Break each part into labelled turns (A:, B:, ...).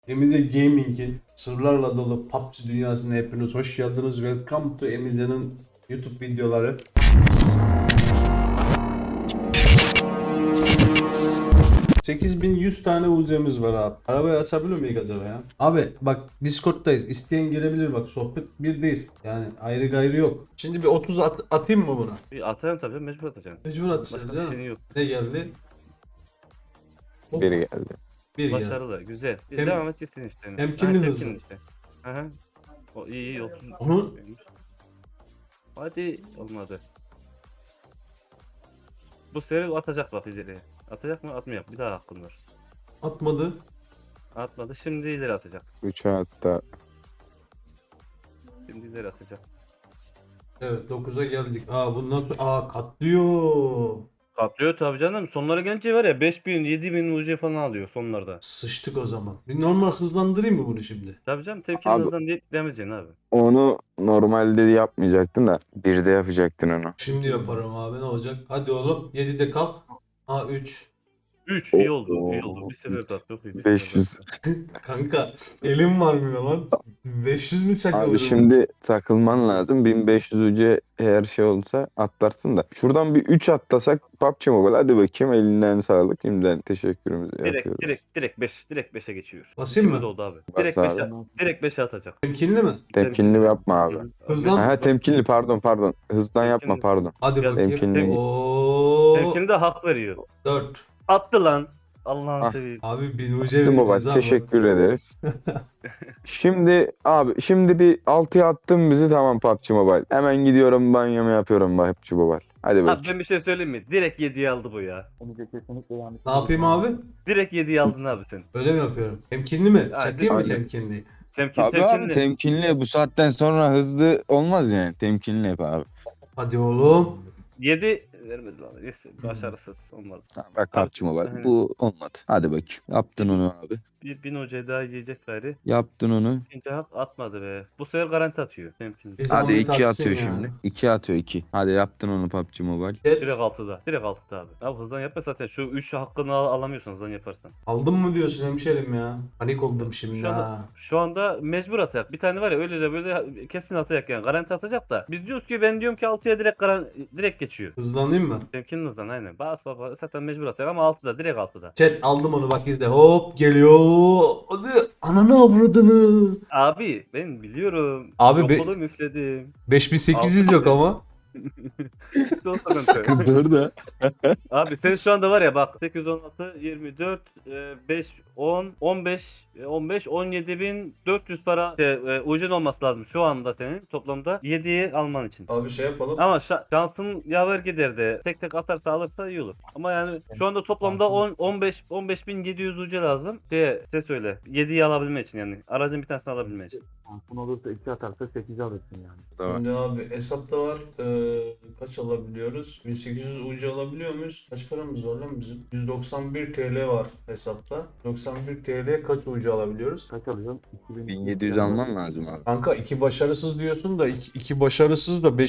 A: Emize Gaming'in sırlarla dolu PUBG dünyasına hepiniz hoş geldiniz. Welcome to Emize'nin YouTube videoları. ...8100 tane UC'miz var abi. Arabayı açabiliyor muyuz acaba ya? Abi bak Discord'dayız. İsteyen girebilir bak. Sohbet birdeyiz. Yani ayrı gayrı yok. Şimdi bir 30 atayım mı buna?
B: Bir atarım tabii, mecbur atacaksın.
A: Mecbur atacağız
B: Başka bir
A: canım.
B: şeyin yok.
A: Ne geldi? Hop,
C: Biri geldi.
A: bir geldi.
B: Başarılı, güzel. Biz
A: Tem-
B: devam et gitsin işte.
A: temkinli
B: Ha,
A: hızlı.
B: işte. Aha. O iyi 30.
A: Onu-
B: Hadi olmadı. Bu sefer atacak bak ileriye. Atacak mı? Atmayacak. Bir daha hakkın var.
A: Atmadı.
B: Atmadı. Şimdi ileri atacak.
C: 3'e hatta.
B: Şimdi ileri atacak.
A: Evet 9'a geldik. Bundan sonra katlıyor.
B: Kaplıyor tabii canım. Sonlara gelince var ya 5000, 7000 UC falan alıyor sonlarda.
A: Sıçtık o zaman. Bir normal hızlandırayım mı bunu şimdi?
B: Tabii canım, temkinli
C: Abi-
B: hızdan demeyeceksin abi.
C: Onu normalde yapmayacaktın da bir de yapacaktın onu.
A: Şimdi yaparım abi, ne olacak? Hadi oğlum 7'de kal. 3.
B: 3 iyi oldu, iyi oldu. Bir sefer de at, çok iyi. Bir sefer de
C: 500.
B: at.
A: Kanka elim var mı lan? 500 mi çakılır?
C: Abi şimdi takılman lazım. 1500 ucu her şey olsa atlarsın da. Şuradan bir 3 atlasak PUBG Mobile. Hadi bakayım, elinden sağlık. Şimdiden teşekkürümüzü yapıyoruz.
B: Direkt 5, direkt 5'e geçiyor.
A: Basayım mı?
B: Şimdi oldu abi.
C: Bas
B: Direkt
C: abi.
B: 5'e atacak.
A: Temkinli mi?
C: Temkinli yapma abi.
A: Hızlan.
C: Ha, temkinli, pardon. Hızdan yapma,
B: Temkinli.
C: pardon.
A: Hadi
B: Biraz
A: bakayım.
C: temkinli.
A: Oo.
B: Temkinli de hak veriyor.
A: 4.
B: Attı lan. Allah'ını
C: Ah.
B: seveyim.
A: Abi 1000 UC
C: PUBG Mobile,
A: vereceğiz abi.
C: teşekkür ederiz. Şimdi abi, şimdi bir 6'ya attın bizi, tamam PUBG Mobile. Hemen gidiyorum, banyomu yapıyorum PUBG Mobile. Hadi
B: Abi
C: bakayım.
B: ben bir şey söyleyeyim mi? Direkt 7'yi aldı bu ya.
A: Ne yapayım abi?
B: Direkt 7'yi aldın abi sen.
A: Öyle mi yapıyorum? Temkinli mi? Çakayım mı
C: Aynen.
A: temkinli?
C: Abi temkinli, bu saatten sonra hızlı olmaz yani. Temkinli yap abi.
A: Hadi oğlum.
B: 7 vermedi lan. Neyse, başarısız olmadı.
C: Tamam, bak
B: Abi,
C: PUBG Mobile.
B: aynen.
C: Bu olmadı. Hadi bakayım. Yaptın onu abi.
B: Bir 1000 hoca daha yiyecek gayri.
C: Yaptın onu.
B: İkinci hak atmadı be. Bu sefer garanti atıyor. Temkinli.
A: Biz-
C: Hadi
A: Zahmet
C: 2
A: atsın
C: atıyor
A: ya.
C: şimdi. 2 atıyor 2. Hadi yaptın onu PUBG Mobile.
A: Evet.
B: Direkt 6'da. Direkt 6'da abi. Abi hızdan yapma zaten. Şu 3 hakkını alamıyorsun hızdan yaparsan.
A: Aldın mı diyorsun hemşerim ya? Panik oldum şimdi
B: Şu anda,
A: ha.
B: şu anda mecbur atacak. Bir tane var ya, öyle de böyle kesin atacak yani. Garanti atacak da. Biz diyoruz ki, ben diyorum ki 6'ya direkt geçiyor.
A: Hızlanayım mı?
B: Temkinli hızdan aynen. Bas baba, zaten mecbur atacak ama 6'da, direkt 6'da.
A: Chat aldım onu, bak izle. Hop geliyor. Hadi ananı avradını.
B: Abi ben biliyorum.
A: Abi
B: Yokulu müfledim.
A: 5800 yok ama.
B: İşte o sıkıntı.
C: Dur da.
B: Abi sen şu anda var ya bak, 8, 16, 24, 5, 10, 15, 17.400 para ucun olması lazım şu anda senin toplamda 7'yi alman için.
A: Abi şey yapalım.
B: Ama şansın yaver gider de tek tek atarsa alırsa iyi olur. Ama yani şu anda toplamda 15.700 ucu lazım. Size söyle. 7'yi alabilmek için yani. Aracın bir tanesini alabilmek için.
D: Şansın olursa 2 atarsa 8 alırsın yani.
C: Tamam.
A: Şimdi abi hesapta var. Kaç alabiliyoruz? 1800 UC alabiliyor muyuz? Kaç paramız var lan bizim? 191 TL var hesapta. 91 TL kaç UC alabiliyoruz?
D: Kaç alıyorsun?
C: 1700 alman lazım abi.
A: Kanka iki başarısız diyorsun da iki başarısız da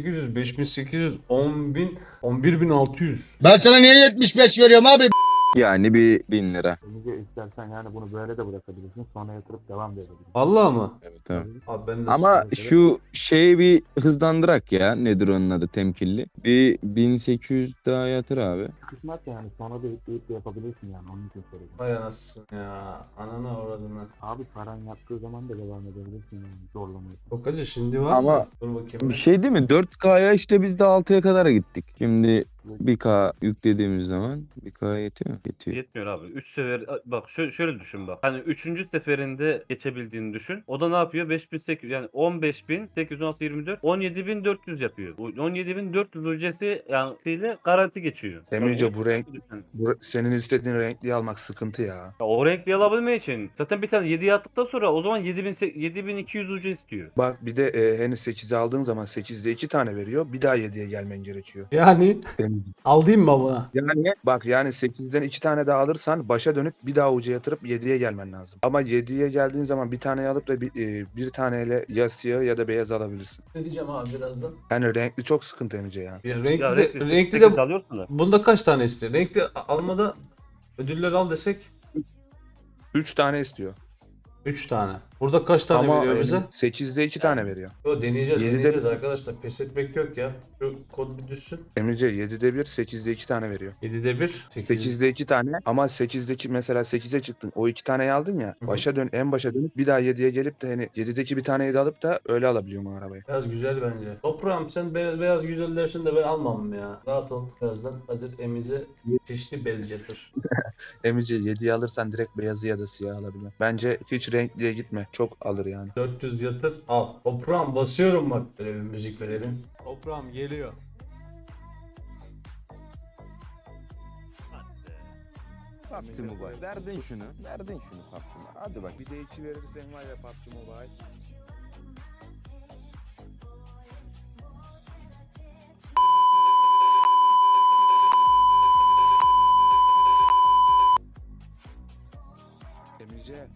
A: 5800, 10.000, 11.600.
E: Ben sana niye 75 veriyorum abi?
C: Yani bir 1000 lira.
D: Önce istersen yani bunu böyle de bırakabilirsin. Sonra yatırıp devam da edebilirsin.
A: Vallahi mı?
C: Evet abi.
A: Abi ben de
C: Ama
A: sürekli-
C: şu şeyi bir hızlandırak ya. Nedir onun adı, temkinli. Bir 1800 daha yatır abi.
D: Kısmet yani. Sonra da ekleyip de yapabilirsin yani. Onun için söyleyeyim.
A: Vay anasını ya. Ananı avradını.
D: Abi paran yaptığı zaman da devam edebilirsin yani. Zorlamayı.
A: Çok acı şimdi var
C: Ama
A: mı? Dur bakayım.
C: Bir şey değil mi? 4K'ya işte biz de 6'ya kadar gittik. Şimdi 1K yüklediğimiz zaman 1K yetiyor mu? Yetiyor.
B: Yetmiyor abi. 3 sefer bak şöyle düşün bak. Hani 3. seferinde geçebildiğini düşün. O da ne yapıyor? 5800 yani 15.816 24 17.400 yapıyor. Bu 17.400 ücreti yani ile garanti geçiyor.
F: Emirce,
B: Bak,
F: bu renk-
B: düşün.
F: Senin istediğin renkli almak sıkıntı ya.
B: Ya o renkli alabilme için zaten bir tane 7'ye attıktan sonra o zaman 7200 ucu istiyor.
F: Bak bir de henüz 8'i aldığın zaman 8'de 2 tane veriyor. Bir daha 7'ye gelmen gerekiyor.
A: Yani aldayım mı buna?
F: Yani bak, yani 8'den 2 tane daha alırsan başa dönüp bir daha uca yatırıp 7'ye gelmen lazım. Ama 7'ye geldiğin zaman bir tane alıp da bir taneyle ya siyah ya da beyaz alabilirsin.
A: Ne diyeceğim abi birazdan?
F: Yani renkli çok sıkıntı Emirce ya.
A: Ya
B: Ya
A: renkli de
B: 8 alıyorsun da.
A: bunda kaç tane istiyor? Renkli almada ödüller al desek
F: 3 tane istiyor.
A: 3 tane. Burada kaç tane
F: Ama
A: veriyor bize?
F: 8'de 2 tane veriyor.
A: Yo, deneyeceğiz,
F: 7'de
A: deneyeceğiz arkadaşlar. Pes etmek yok ya. Şu kod bir düşsün.
F: Emice 7'de 1, 8'de 2 tane veriyor.
A: 7'de 1,
F: 8'de 2 tane ama 8'deki mesela 8'e çıktın. O 2 taneyi aldın ya.
A: Hı hı.
F: En başa dönüp bir daha 7'ye gelip de hani 7'deki bir taneyi de alıp da öyle alabiliyorsun o arabayı.
A: Beyaz güzel bence. Toprağım sen beyaz güzel dersin de ben almam ya. Rahat ol. Birazdan Kadir Emice yetişti bezcetir.
F: Emice 7'yi alırsan direkt beyazı ya da siyah alabiliyorsun. Bence hiç renkliye gitme. Çok alır yani.
A: 400 yatır al. Toprağım basıyorum bak. Böyle bir müzik verelim. Toprağım geliyor.
C: PUBG Mobile. Verdin şunu. Verdin şunu PUBG. Hadi bak.
F: Bir de 2 verirsen var ya PUBG Mobile. Emice.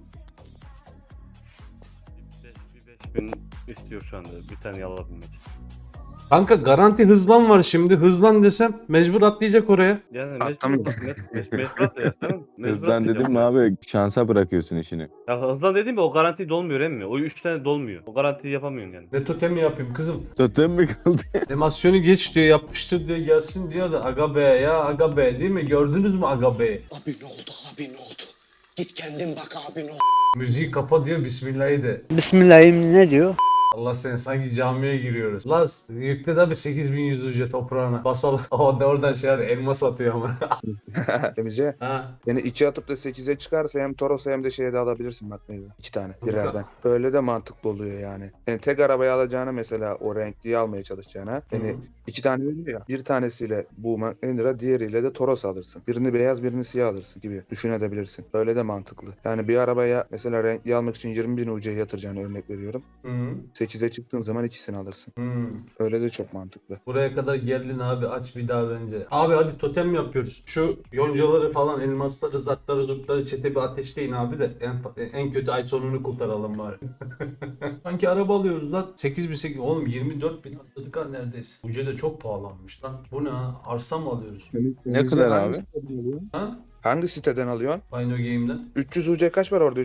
B: Bir 5000 istiyor şu anda bir tane alabilmek için.
A: Kanka garanti hızlan var şimdi. Hızlan desem mecbur atlayacak oraya.
B: Yani
F: Atlamıyor.
B: mecbur atlayacak değil mi? Mecbur
C: Hızlan
B: atlayacak
C: dedim mi
B: oraya.
C: abi? Şansa bırakıyorsun işini.
B: Ya hızlan dediğim mi o garanti dolmuyor emmi. O 3 tane dolmuyor. O garantiyi yapamıyorsun yani.
A: Ne totemi yapayım kızım.
C: Totem mi kaldı?
A: Animasyonu geç diyor, yapmıştır diyor, gelsin diyor da aga be ya, aga be, değil mi? Gördünüz mü aga be?
E: Abi ne oldu abi ne oldu? Git kendin bak abi ne oldu?
A: Müziği kapa diyor, Bismillah'ı de.
E: Bismillahirrahmanirrahim ne diyor?
A: Allah seni, sanki camiye giriyoruz. Laz yükle de bir 8100 ücret toprağına. Basalım. O da oradan şey hadi elmas atıyor ama.
F: Emice.
A: Ha.
F: Yani 2 atıp da 8'e çıkarsa hem Toros'a hem de şeye de alabilirsin bak meyve. 2 tane birerden. Öyle de mantıklı oluyor yani. Yani tek arabayı alacağına mesela o renkliyi almaya çalışacağına. Yani
A: Hı.
F: 2 tane veriyor ya. Bir tanesiyle bu Mahindra, diğeriyle de Toros alırsın. Birini beyaz birini siyah alırsın gibi düşünebilirsin. Öyle de mantıklı. Yani bir arabaya mesela renkli almak için 20.000 UC'ye yatıracağını örnek veriyorum.
A: Hı.
F: 8'e çıktığın zaman ikisini alırsın.
A: Hı.
F: Öyle de çok mantıklı.
A: Buraya kadar geldin abi, aç bir daha bence. Abi hadi totem yapıyoruz. Şu yoncaları falan, elmasları, zartları, zurtları çete bir ateşleyin abi de en kötü ay sonunu kurtaralım bari. Sanki araba alıyoruz lan. 8.800 oğlum, 24.000 atladık ha neredeyse. Uca da çok pahalanmış lan. Bu ne ha? Arsa mı alıyoruz?
C: Ne kadar abi?
A: Ha?
F: Hangi siteden alıyorsun?
A: Bino Game'den.
F: 300 UC kaç var orada?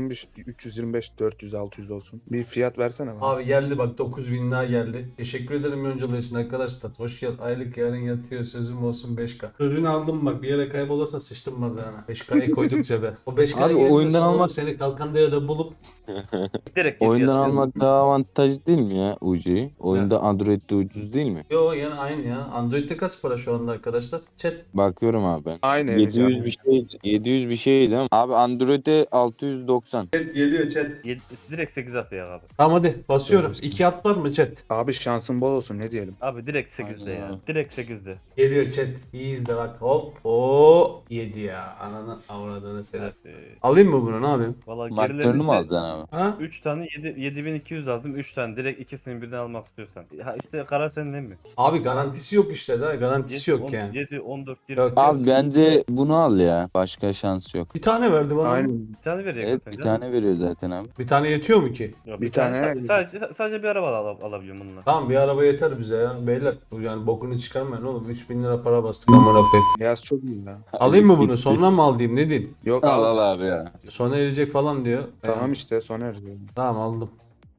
F: 325, 400, 600 olsun. Bir fiyat versene bana.
A: Abi geldi bak, 9.000 daha geldi. Teşekkür ederim yoncalar için arkadaşlar. Hoş geldin. Aylık yarın yatıyor, sözüm olsun 5K. Sözünü aldım bak, bir yere kaybolursa sıçtım mazarana. 5K'yı koyduk cebe. O 5K'yı
C: Abi,
A: gelmesin
C: oyundan
A: oğlum,
C: almak-
A: seni Kalkandere'de bulup
B: Direkt
C: Oyundan
B: yedi
C: almak daha avantajlı değil mi ya UC'yi? Oyunda Android'de ucuz değil mi?
A: Yo yani aynı ya. Android'de kaç para şu anda arkadaşlar? Chat.
C: Bakıyorum abi ben.
F: Aynı
C: 700 bir şey, 700 bir şey değil mi? Abi Android'de 690.
A: Chat geliyor chat.
B: Direkt 8 atıyor abi.
A: Tamam hadi basıyorum.
F: Evet.
A: 2 atlar mı chat?
F: Abi şansın bol olsun ne diyelim.
B: Abi direkt 8'de
C: Aynen
B: ya.
C: abi.
B: Direkt 8'de.
A: Geliyor chat. İyi izle bak. Hop. O 7 ya. Ananı avradını sever. Alayım mı bunu, ne yapayım?
B: Valla
C: Marklarını mı alacaksın abi?
A: Ha?
B: 3 tane 7200 aldım. 3 tane direkt ikisini birden almak istiyorsan. Ha işte karar senin değil mi?
A: Abi garantisi yok işte daha. Garantisi yok yani.
B: 7, 14, 20.
A: Yok.
C: Abi bence bunu al ya. Başka şans yok.
A: Bir tane verdi bana.
F: Aynen.
B: Bir tane verecek
C: Evet
B: zaten
C: bir
B: canım.
C: tane veriyor zaten abi.
A: Bir tane yetiyor mu ki?
B: Yok,
F: Bir tane-
B: sadece bir araba alabiliyorum bununla.
A: Tamam, bir araba yeter bize ya. Beyler bu yani bokunu çıkarmayın oğlum. 3000 lira para bastık amına koyayım.
F: Beyaz çok iyi ya.
A: Alayım mı bunu? Sonra mı al diyeyim, ne diyeyim?
F: Yok
C: Al
F: al.
C: al abi ya.
A: Sona erecek falan diyor.
F: Tamam işte Soner diyorum.
A: Tamam aldım.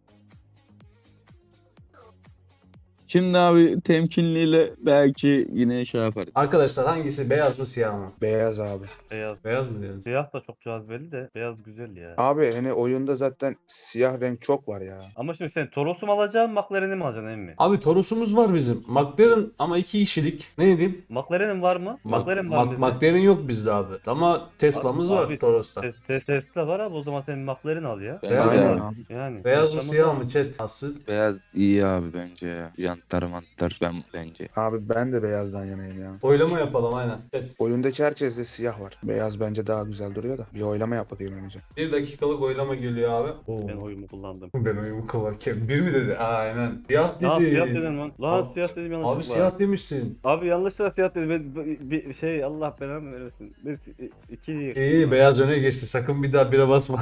C: Şimdi abi temkinliyle belki yine şey yaparız.
A: Arkadaşlar hangisi, beyaz mı siyah mı?
F: Beyaz abi.
B: Beyaz.
A: Beyaz mı diyorsun?
B: Siyah da çok cazibeli de beyaz güzel ya.
F: Abi hani oyunda zaten siyah renk çok var ya.
B: Ama şimdi sen Toros'u mu alacaksın, McLaren'i mi alacaksın emmi?
A: Abi Toros'umuz var bizim. McLaren ama 2 kişilik. Ne diyeyim?
B: McLaren'in var mı? McLaren var mı? bizde?
A: McLaren yok bizde abi. Ama Tesla'mız var
B: Abi,
A: Toros'ta.
B: Tesla var abi, o zaman sen McLaren al ya.
C: Bence
A: Beyaz
C: de
F: Aynen
C: abi.
F: abi.
B: Yani.
A: Beyaz mı
B: Tesla'mız
A: siyah
B: var.
A: mı chat? Asıl.
C: Beyaz iyi abi bence ya. Jantlar mantlar bence.
F: Abi ben de beyazdan yanayım ya.
A: Oylama yapalım aynen. Chat.
F: Oyundaki herkeste siyah var. Beyaz bence daha güzel duruyor da. Bir oylama yap bakayım önce.
A: 1 dakikalık oylama geliyor abi. Oo.
B: Ben oyumu kullandım.
A: Ben oyumu kullanırken 1 mi dedi? Aynen. Siyah
B: Ya
A: dedi.
B: siyah dedim lan. Lan
A: Abi-
B: siyah dedim yanlışlıkla.
A: Abi siyah demişsin.
B: Abi yanlışlıkla siyah dedim. Bir şey Allah belanı vermesin. Ben iki
A: İyi, beyaz öne geçti. Sakın bir daha bire basma.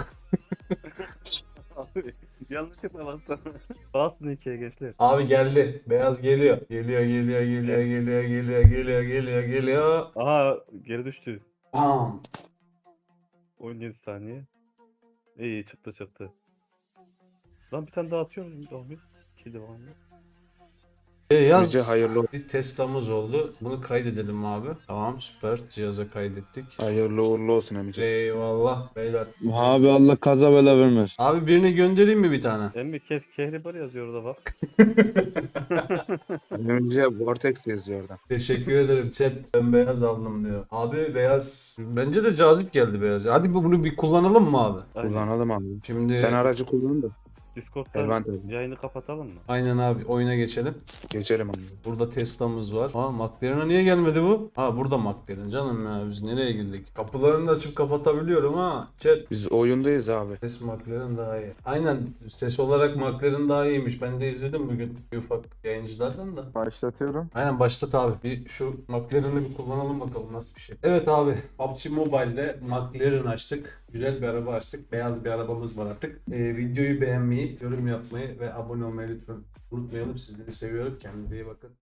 B: Abi yanlışlıkla bastım. Bastın ikiye gençler.
A: Abi geldi. Beyaz geliyor. Geliyor.
B: Aha geri düştü.
A: Bam.
B: 17 saniye. İyi çıktı çıktı. Lan bir tane daha atıyorum abi. İki devam ya.
A: Yaz.
F: Nice hayırlı
A: Bir Tesla'mız oldu. Bunu kaydedelim abi. Tamam süper. Cihaza kaydettik.
F: hayırlı uğurlu olsun emici.
A: Eyvallah beyler.
C: Abi Allah kaza bela vermesin.
A: Abi birini göndereyim mi bir tane?
B: Emmi Kehribar yazıyor orada bak.
F: Emici Vortex yazıyor oradan.
A: Teşekkür ederim. Chat ben beyaz aldım diyor. Abi beyaz. Bence de cazip geldi beyaz. Hadi bunu bir kullanalım mı abi?
B: Aynen.
F: Kullanalım abi.
A: Şimdi
F: Sen aracı kullan da.
B: Discord'da
F: Elvan tabii.
B: yayını kapatalım mı?
A: aynen abi oyuna geçelim.
F: Geçelim abi.
A: Burada Tesla'mız var. Aa McLaren'a niye gelmedi bu? Ha burada McLaren canım ya biz nereye girdik? Kapılarını da açıp kapatabiliyorum ha. Chat.
F: Biz oyundayız abi.
A: Ses McLaren daha iyi. Aynen ses olarak McLaren daha iyiymiş. Ben de izledim bugün bir ufak yayıncılardan da.
C: Başlatıyorum.
A: Aynen başlat abi. Bir şu McLaren'ı bir kullanalım bakalım nasıl bir şey. Evet abi PUBG Mobile'de McLaren açtık. Güzel bir araba açtık. Beyaz bir arabamız var artık. Videoyu beğenmeyi, yorum yapmayı ve abone olmayı lütfen unutmayalım. Sizleri seviyorum. Kendinize iyi bakın.